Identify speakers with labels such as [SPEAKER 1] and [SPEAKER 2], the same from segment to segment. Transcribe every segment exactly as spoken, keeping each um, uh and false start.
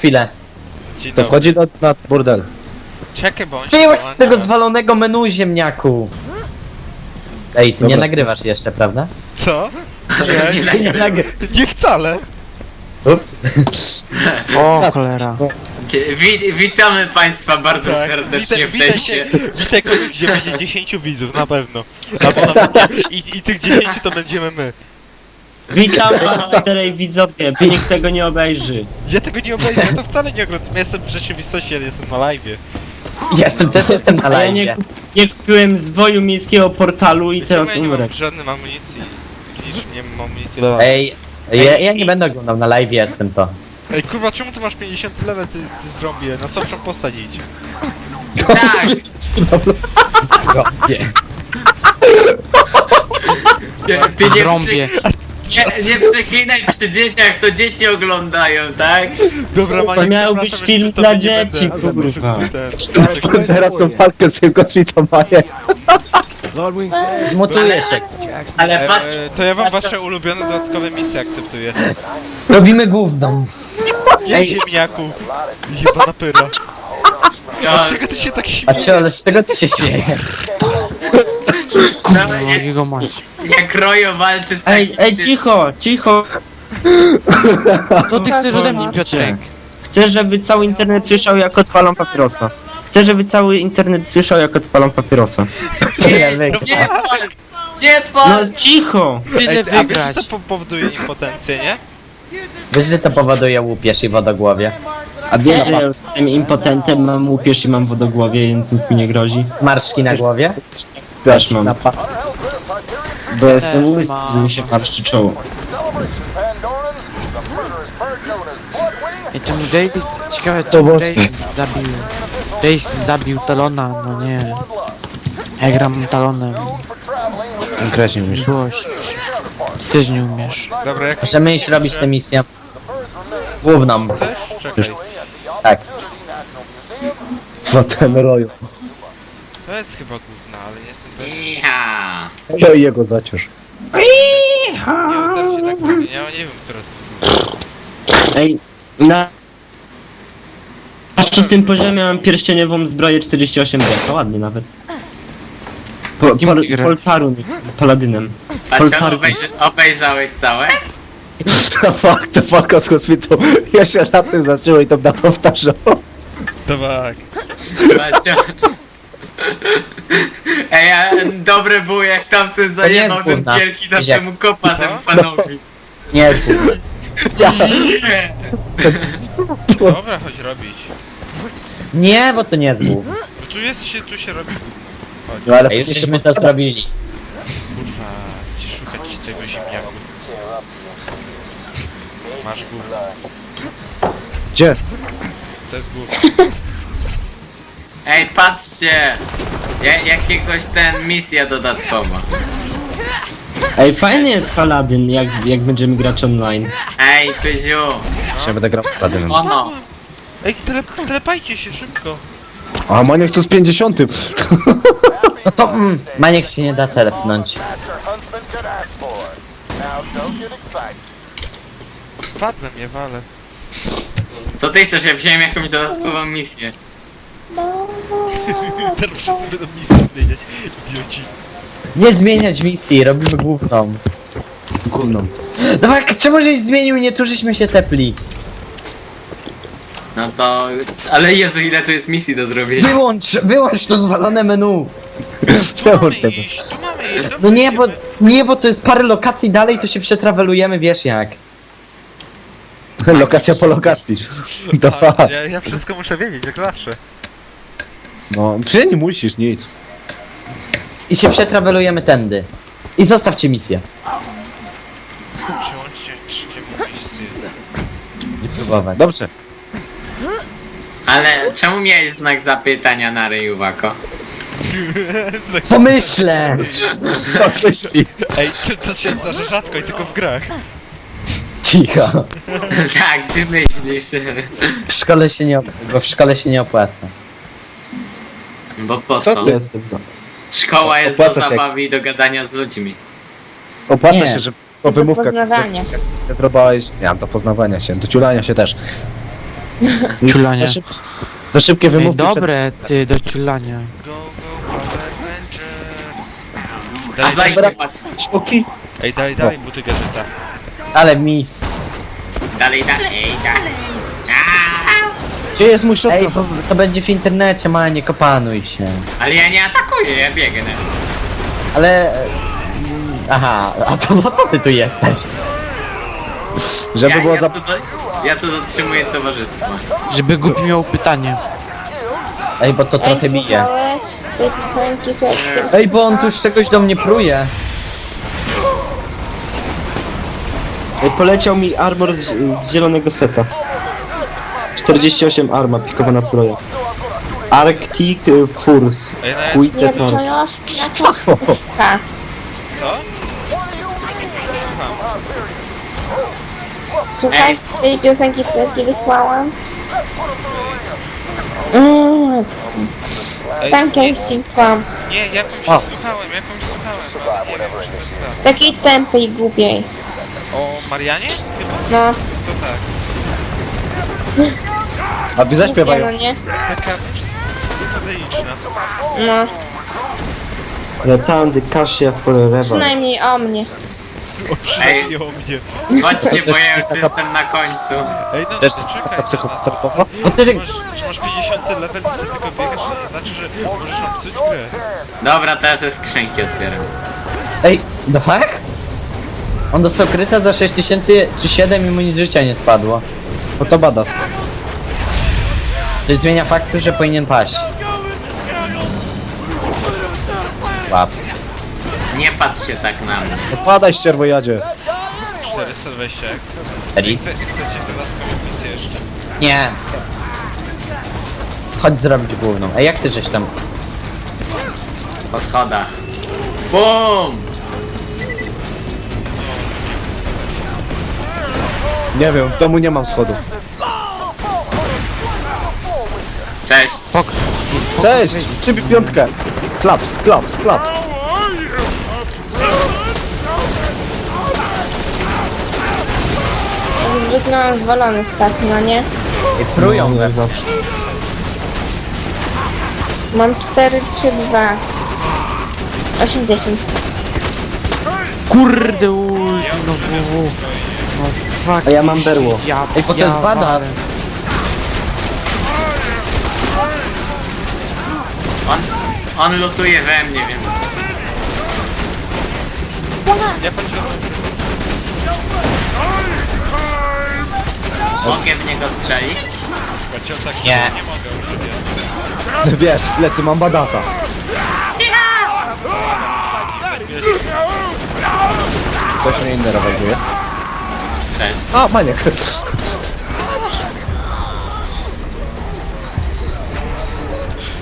[SPEAKER 1] chwilę.
[SPEAKER 2] Dzień
[SPEAKER 3] To
[SPEAKER 2] dobry.
[SPEAKER 3] wchodzi do, na burdel.
[SPEAKER 2] Czekaj, bo on się
[SPEAKER 1] Wyjąłeś z
[SPEAKER 2] dołącza.
[SPEAKER 1] tego zwalonego menu, ziemniaku. Ej, ty
[SPEAKER 3] Dobra.
[SPEAKER 1] nie nagrywasz jeszcze, prawda?
[SPEAKER 2] Co?
[SPEAKER 1] Ty
[SPEAKER 2] Nie,
[SPEAKER 1] nie nagry...
[SPEAKER 2] nie wcale.
[SPEAKER 1] Ups.
[SPEAKER 4] O, cholera.
[SPEAKER 5] Dzie- Wi witamy Państwa bardzo
[SPEAKER 2] Tak,
[SPEAKER 5] serdecznie
[SPEAKER 2] witaj,
[SPEAKER 5] w
[SPEAKER 2] witaj
[SPEAKER 5] teście.
[SPEAKER 2] się, witaj kogoś, gdzie będzie dziesięciu widzów, na pewno. Albo nawet nie. I, I tych dziesięciu to będziemy my.
[SPEAKER 6] Witam was tutaj widzowie, nikt tego nie obejrzy.
[SPEAKER 2] Ja tego nie obejrzę, ja to wcale nie oglądam. Ja jestem w rzeczywistości, ja jestem na live'ie.
[SPEAKER 1] Jestem, też jestem na
[SPEAKER 6] A ja nie,
[SPEAKER 1] live.
[SPEAKER 6] kup- nie kupiłem zwoju miejskiego portalu i teraz
[SPEAKER 2] Czemu ja nie
[SPEAKER 6] umrę.
[SPEAKER 2] mam żadnej amunicji? Widzisz, nie mam amunicji do...
[SPEAKER 1] Ej, ja, ja nie będę oglądał, na live jestem to.
[SPEAKER 2] Ej kurwa, czemu ty masz pięćdziesiąt level, ty, ty zrobię? Na słabszą postać idź.
[SPEAKER 5] Tak!
[SPEAKER 1] Nie.
[SPEAKER 5] Nie, ty nie,
[SPEAKER 4] Zrąbię.
[SPEAKER 5] przy, nie, nie przeklinaj przy dzieciach, to dzieci oglądają, tak?
[SPEAKER 2] Dobra, Maniek,
[SPEAKER 6] To miał
[SPEAKER 2] przepraszam,
[SPEAKER 6] być film
[SPEAKER 2] jeszcze
[SPEAKER 6] dla
[SPEAKER 2] tobie nie
[SPEAKER 6] dzieci,
[SPEAKER 2] będę-
[SPEAKER 6] kurwa.
[SPEAKER 2] ten-
[SPEAKER 3] Teraz tą walkę z tym kosmitą maję.
[SPEAKER 1] Zmutuję się.
[SPEAKER 5] Ale patrz,
[SPEAKER 2] E, to ja wam wasze ulubione dodatkowe misje akceptuję.
[SPEAKER 1] Robimy główną.
[SPEAKER 2] Nie ziemniaku. Jebana pyra. Dlaczego ty się tak
[SPEAKER 1] A
[SPEAKER 2] śmiejesz?
[SPEAKER 1] czy, ale z czego ty się śmiejesz?
[SPEAKER 5] no,
[SPEAKER 4] No,
[SPEAKER 5] jak,
[SPEAKER 4] jego mać.
[SPEAKER 5] jak Rojo walczy z
[SPEAKER 6] Ej,
[SPEAKER 5] takim...
[SPEAKER 6] ej, cicho, cicho.
[SPEAKER 4] Co ty chcesz ode mnie, Piotrek?
[SPEAKER 6] Chcę, żeby cały internet słyszał, jak odpalam papierosa. Chcę, żeby cały internet słyszał, jak odpalam papierosa.
[SPEAKER 1] Nie, wy...
[SPEAKER 5] Nie pal! Nie
[SPEAKER 6] No
[SPEAKER 5] pal!
[SPEAKER 6] cicho!
[SPEAKER 4] Tyle
[SPEAKER 2] Ej, a wiesz, że
[SPEAKER 4] wygrać.
[SPEAKER 2] to po powoduje impotencję, nie?
[SPEAKER 1] Wiesz, że to powoduje łupież i wodogłowie.
[SPEAKER 6] A wiesz, że ja jestem impotentem, mam łupież i mam wodogłowie, więc nic mi nie grozi.
[SPEAKER 1] Zmarszczki na głowie?
[SPEAKER 6] Też mam.
[SPEAKER 1] Na pa...
[SPEAKER 6] Bo jestem
[SPEAKER 4] Też
[SPEAKER 6] łysy,
[SPEAKER 4] mam.
[SPEAKER 6] mi się marszczy czoło.
[SPEAKER 4] Ej, czemu Jace... Ciekawe,
[SPEAKER 3] To
[SPEAKER 4] czemu
[SPEAKER 3] było-
[SPEAKER 4] Jace zabił... Jace zabił Talona, no nie. Ja gram Talonem.
[SPEAKER 3] Konkretnie mówisz.
[SPEAKER 4] Złość. Ty też nie umiesz.
[SPEAKER 2] Dobra, jak
[SPEAKER 1] Możemy iść robić tę misję. Główną.
[SPEAKER 2] chcesz? Czekaj.
[SPEAKER 1] Tak.
[SPEAKER 3] Potem roju.
[SPEAKER 2] To jest chyba główna, ale nie jestem pewien.
[SPEAKER 5] Ja.
[SPEAKER 3] Ja i jego zaciąż.
[SPEAKER 2] Nie uda się tak mówić, ja nie wiem, która to jest główna.
[SPEAKER 6] Ej, na... Na szóstym poziomie mam pierścieniową zbroję czterdzieści osiem D, to ładnie nawet. Po,
[SPEAKER 4] Kim
[SPEAKER 6] pol,
[SPEAKER 4] ty grasz?
[SPEAKER 6] Poltarun, paladynem.
[SPEAKER 5] A co,
[SPEAKER 6] Poltarun.
[SPEAKER 5] obej obejrzałeś całe?
[SPEAKER 3] To fakt, to walka z kosmitą. Ja się na tym zaczęło i to na powtarzał.
[SPEAKER 2] Tak.
[SPEAKER 5] Macie. Ej, a dobre było jak tamten zajebał
[SPEAKER 1] jest
[SPEAKER 5] ten
[SPEAKER 1] gówna.
[SPEAKER 5] wielki
[SPEAKER 1] Widziak.
[SPEAKER 5] tamtemu kopa temu fanowi.
[SPEAKER 1] Nie,
[SPEAKER 5] Nie.
[SPEAKER 2] Dobra, chodź robić.
[SPEAKER 1] nie, bo to nie jest głów.
[SPEAKER 2] No tu jest się, tu się robi.
[SPEAKER 3] No ale
[SPEAKER 1] Ej, już żeśmy to zrobili.
[SPEAKER 2] Kurwa, ci szukać tego ziemniaku. Masz gówno.
[SPEAKER 3] Gdzie?
[SPEAKER 2] To jest gówno.
[SPEAKER 5] Ej, patrzcie! Ja, jakiegoś ten misja dodatkowa.
[SPEAKER 6] Ej, fajny jest paladyn, jak, jak będziemy grać online.
[SPEAKER 5] Ej, Pyziu!
[SPEAKER 3] Ja będę grał padynem.
[SPEAKER 5] Ono!
[SPEAKER 2] Ej, tele, telepajcie się szybko.
[SPEAKER 3] A Maniek tu z pięćdziesiątym.
[SPEAKER 1] No to mm, Maniek się nie da telepnąć.
[SPEAKER 2] Spadłem, je walę.
[SPEAKER 5] Co ty chcesz? Ja wziąłem jakąś dodatkową misję.
[SPEAKER 2] Teraz wszyscy będą misję zmieniać. Idioci.
[SPEAKER 1] Nie zmieniać misji, robimy główną.
[SPEAKER 3] Gówną.
[SPEAKER 1] Dawaj, czemu żeś zmienił, nie tu żeśmy się tepli.
[SPEAKER 5] No to... Ale Jezu, ile tu jest misji do zrobienia.
[SPEAKER 1] Wyłącz, wyłącz to zwalone menu.
[SPEAKER 2] Tu mamy
[SPEAKER 3] Wyłącz tego.
[SPEAKER 2] iść, tu mamy iść.
[SPEAKER 1] No
[SPEAKER 2] Dobrze,
[SPEAKER 1] nie, bo,
[SPEAKER 2] idziemy.
[SPEAKER 1] nie, bo to jest parę lokacji dalej, to się przetrawelujemy, wiesz jak.
[SPEAKER 3] Lokacja po lokacji. Dwa.
[SPEAKER 2] A, ja, ja wszystko muszę wiedzieć, jak zawsze.
[SPEAKER 3] No, czy nie musisz nic.
[SPEAKER 1] I się przetrawelujemy tędy. I zostawcie misję.
[SPEAKER 2] Przełączcie trzeciemu misję.
[SPEAKER 1] I próbować.
[SPEAKER 3] Dobrze.
[SPEAKER 5] Ale czemu miałeś znak zapytania na ryju, Wako?
[SPEAKER 1] Pomyślę!
[SPEAKER 3] Co myśli?
[SPEAKER 2] Ej, to, to się zdarza rzadko i tylko w grach.
[SPEAKER 1] Cicho.
[SPEAKER 5] Tak, ty myślisz.
[SPEAKER 1] W szkole się nie, op- bo w szkole się nie opłaca.
[SPEAKER 5] Bo po
[SPEAKER 3] Co
[SPEAKER 5] co?
[SPEAKER 3] ty?
[SPEAKER 6] Jestem za.
[SPEAKER 5] Szkoła jest do
[SPEAKER 3] Opłaca się.
[SPEAKER 5] zabawy i do gadania z ludźmi.
[SPEAKER 3] Opłaca
[SPEAKER 1] Nie.
[SPEAKER 3] się, że po wymówkach...
[SPEAKER 7] poznawania.
[SPEAKER 3] Próbowałeś... Nie, do poznawania się, do ciulania się też.
[SPEAKER 4] Ciulanie.
[SPEAKER 3] To, szyb... to szybkie
[SPEAKER 4] Ej,
[SPEAKER 3] wymówki.
[SPEAKER 4] dobre, ty, do ciulania.
[SPEAKER 2] Go, go, Power Rangers.
[SPEAKER 5] A
[SPEAKER 2] Daj, daj,
[SPEAKER 5] zajdzie patrz.
[SPEAKER 3] Przed...
[SPEAKER 2] ej, daj, daj, buty gadżeta.
[SPEAKER 1] Ale mis.
[SPEAKER 5] Dalej, dalej, dalej. Aaa!
[SPEAKER 3] Gdzie jest mój shotgun?
[SPEAKER 1] Ej, bo to będzie w internecie, ma, nie kopanuj się.
[SPEAKER 5] Ale ja nie atakuję, ja biegnę.
[SPEAKER 1] Ale... e, Aha, a to po co ty tu jesteś?
[SPEAKER 3] Żeby
[SPEAKER 5] Ja,
[SPEAKER 3] było
[SPEAKER 5] ja,
[SPEAKER 3] za...
[SPEAKER 5] tu, do, ja tu dotrzymuję towarzystwa.
[SPEAKER 4] Żeby głupi miał pytanie.
[SPEAKER 1] Ej, bo to
[SPEAKER 7] Ej,
[SPEAKER 1] trochę bije.
[SPEAKER 7] słuchałeś? Tej dzwonki, co jak
[SPEAKER 1] Ej, bo on tu już czegoś do mnie pruje.
[SPEAKER 6] Ej, poleciał mi armor z, z zielonego seta. czterdzieści osiem arma, pikowana zbroja. Arctic y, Force.
[SPEAKER 2] Ej, no ja...
[SPEAKER 6] Quite
[SPEAKER 7] Nie
[SPEAKER 6] Torch.
[SPEAKER 7] wyczułaś na kostka.
[SPEAKER 2] Co?
[SPEAKER 7] Słuchaj tej piosenki, co ja ci wysłałam? Mm,
[SPEAKER 2] Ej,
[SPEAKER 7] tam kiedyś ci wysłałam.
[SPEAKER 2] nie, jakąś
[SPEAKER 1] O.
[SPEAKER 2] słuchałem, jakąś słuchałem, ale nie wiem, czy to jest
[SPEAKER 7] Takiej tępej, głupiej.
[SPEAKER 2] ta. O Marianie? Chyba?
[SPEAKER 7] No,
[SPEAKER 2] To tak.
[SPEAKER 3] A wy
[SPEAKER 7] głupie,
[SPEAKER 3] zaśpiewają.
[SPEAKER 7] no nie?
[SPEAKER 2] Taka psychodeliczna.
[SPEAKER 7] No,
[SPEAKER 6] Return the Cassia Forever.
[SPEAKER 7] przynajmniej o mnie.
[SPEAKER 5] Ej.
[SPEAKER 2] Nie o mnie.
[SPEAKER 5] Chodźcie, bo ja już jestem na końcu.
[SPEAKER 2] Ej, no
[SPEAKER 3] Też
[SPEAKER 2] to
[SPEAKER 3] jest
[SPEAKER 2] czekaj.
[SPEAKER 3] taka
[SPEAKER 2] no,
[SPEAKER 3] psychoterapeuta?
[SPEAKER 1] Bo ty...
[SPEAKER 2] Czy masz, czy masz pięćdziesiąty level i sobie tylko biegasz, to nie znaczy, że możesz nam psuć grę.
[SPEAKER 5] Dobra, teraz ze skrzynki otwieram.
[SPEAKER 1] Ej, the fuck? On dostał kryta za sześć tysięcy czy siedem i mu nic życia nie spadło.
[SPEAKER 3] No to badass.
[SPEAKER 1] To zmienia faktu, że powinien paść. Łap.
[SPEAKER 5] Nie patrz się tak na mnie.
[SPEAKER 3] No padaj ścierwojadzie.
[SPEAKER 2] czterysta dwadzieścia jak
[SPEAKER 1] Eri?
[SPEAKER 2] Chcę, chcecie dodatkową misję jeszcze.
[SPEAKER 1] Nie. Chodź zrobić główną. Ej, jak ty żeś tam...
[SPEAKER 5] Po schodach. BUM!
[SPEAKER 3] Nie wiem, w domu nie mam schodów.
[SPEAKER 5] Cześć.
[SPEAKER 3] Cześć! Przybij piątkę! Klaps, klaps, klaps!
[SPEAKER 7] Zwykle zwalony stak, no nie?
[SPEAKER 1] Ej, prują we
[SPEAKER 6] No,
[SPEAKER 7] Mam cztery, trzy, dwa. osiemdziesiąt.
[SPEAKER 4] Kurde, ulti, no bu. No fuck.
[SPEAKER 6] A ja mam berło.
[SPEAKER 4] Ja,
[SPEAKER 1] Ej, bo to
[SPEAKER 4] ja
[SPEAKER 1] jest badass.
[SPEAKER 4] walę.
[SPEAKER 5] On, on lutuje we mnie, więc...
[SPEAKER 2] Ja patrzę,
[SPEAKER 5] Mogę w niego strzelić?
[SPEAKER 2] patrzę tak,
[SPEAKER 1] Nie.
[SPEAKER 2] nie mogę już,
[SPEAKER 3] Wiesz, w plecy mam badasa. Coś mnie inny reweluje.
[SPEAKER 5] Cześć.
[SPEAKER 3] A, maniek.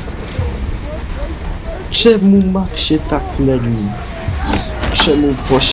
[SPEAKER 6] Czemu Max się tak leni? Czemu poś...